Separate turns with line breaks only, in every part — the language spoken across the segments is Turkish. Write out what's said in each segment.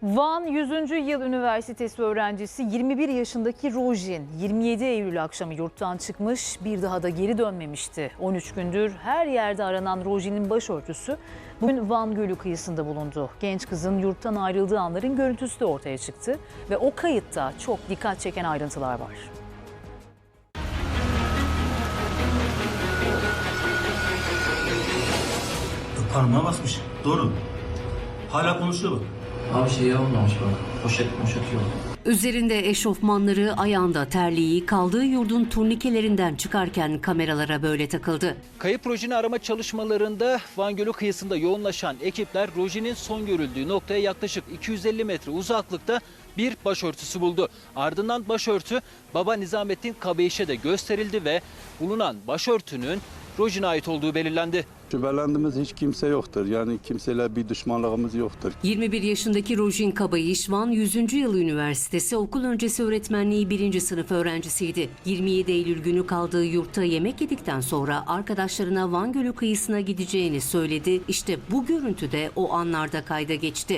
Van 100. Yıl Üniversitesi öğrencisi 21 yaşındaki Rojin 27 Eylül akşamı yurttan çıkmış, bir daha da geri dönmemişti. 13 gündür her yerde aranan Rojin'in başörtüsü bugün Van Gölü kıyısında bulundu. Genç kızın yurttan ayrıldığı anların görüntüsü de ortaya çıktı ve o kayıtta çok dikkat çeken ayrıntılar var.
Parmağa basmış. Doğru. Hala konuşuyor bak.
Abi şey olmamış bak. Poşet yok.
Üzerinde eşofmanları, ayağında terliği, kaldığı yurdun turnikelerinden çıkarken kameralara böyle takıldı.
Kayıp Rojin'i arama çalışmalarında Van Gölü kıyısında yoğunlaşan ekipler Rojin'in son görüldüğü noktaya yaklaşık 250 metre uzaklıkta bir başörtüsü buldu. Ardından başörtü Baba Nizamettin Kabeyiş'e de gösterildi ve bulunan başörtünün Rojin'e ait olduğu belirlendi.
Şüphelendiğimiz hiç kimse yoktur. Yani kimseyle bir düşmanlığımız yoktur.
21 yaşındaki Rojin Kabayiş, Van 100. Yıl Üniversitesi okul öncesi öğretmenliği 1. sınıf öğrencisiydi. 27 Eylül günü kaldığı yurtta yemek yedikten sonra arkadaşlarına Van Gölü kıyısına gideceğini söyledi. İşte bu görüntü de o anlarda kayda geçti.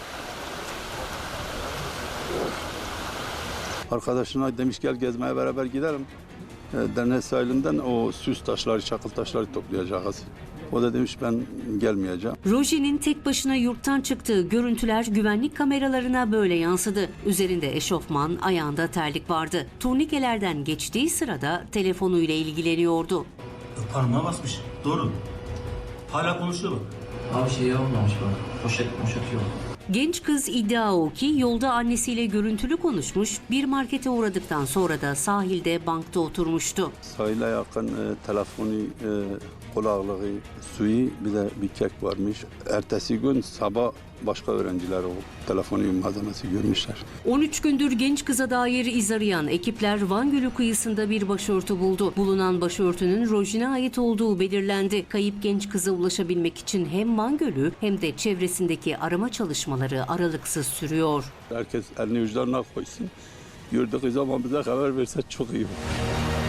Arkadaşına demiş gel gezmeye beraber gidelim. Dernek sahilinden o süs taşları, çakıl taşları toplayacağız. O da demiş ben gelmeyeceğim.
Rojin'in tek başına yurttan çıktığı görüntüler güvenlik kameralarına böyle yansıdı. Üzerinde eşofman, ayağında terlik vardı. Turnikelerden geçtiği sırada telefonuyla ilgileniyordu.
Parmağa basmış. Doğru. Hala konuşuyor bak.
Abi şey olmamış bak. Poşet yok.
Genç kız iddia o ki yolda annesiyle görüntülü konuşmuş, bir markete uğradıktan sonra da sahilde bankta oturmuştu.
Sahile yakın telefonu, kulaklığı, suyu bir de bir kek varmış. Ertesi gün sabah başka öğrenciler o telefonu malzemesi görmüşler.
13 gündür genç kıza dair iz arayan ekipler Van Gölü kıyısında bir başörtü buldu. Bulunan başörtünün Rojin'e ait olduğu belirlendi. Kayıp genç kıza ulaşabilmek için hem Van Gölü hem de çevresindeki arama çalışmaları aralıksız sürüyor.
Herkes elini vicdanına koysun. Gördüğü zaman bize haber verse çok iyi olur.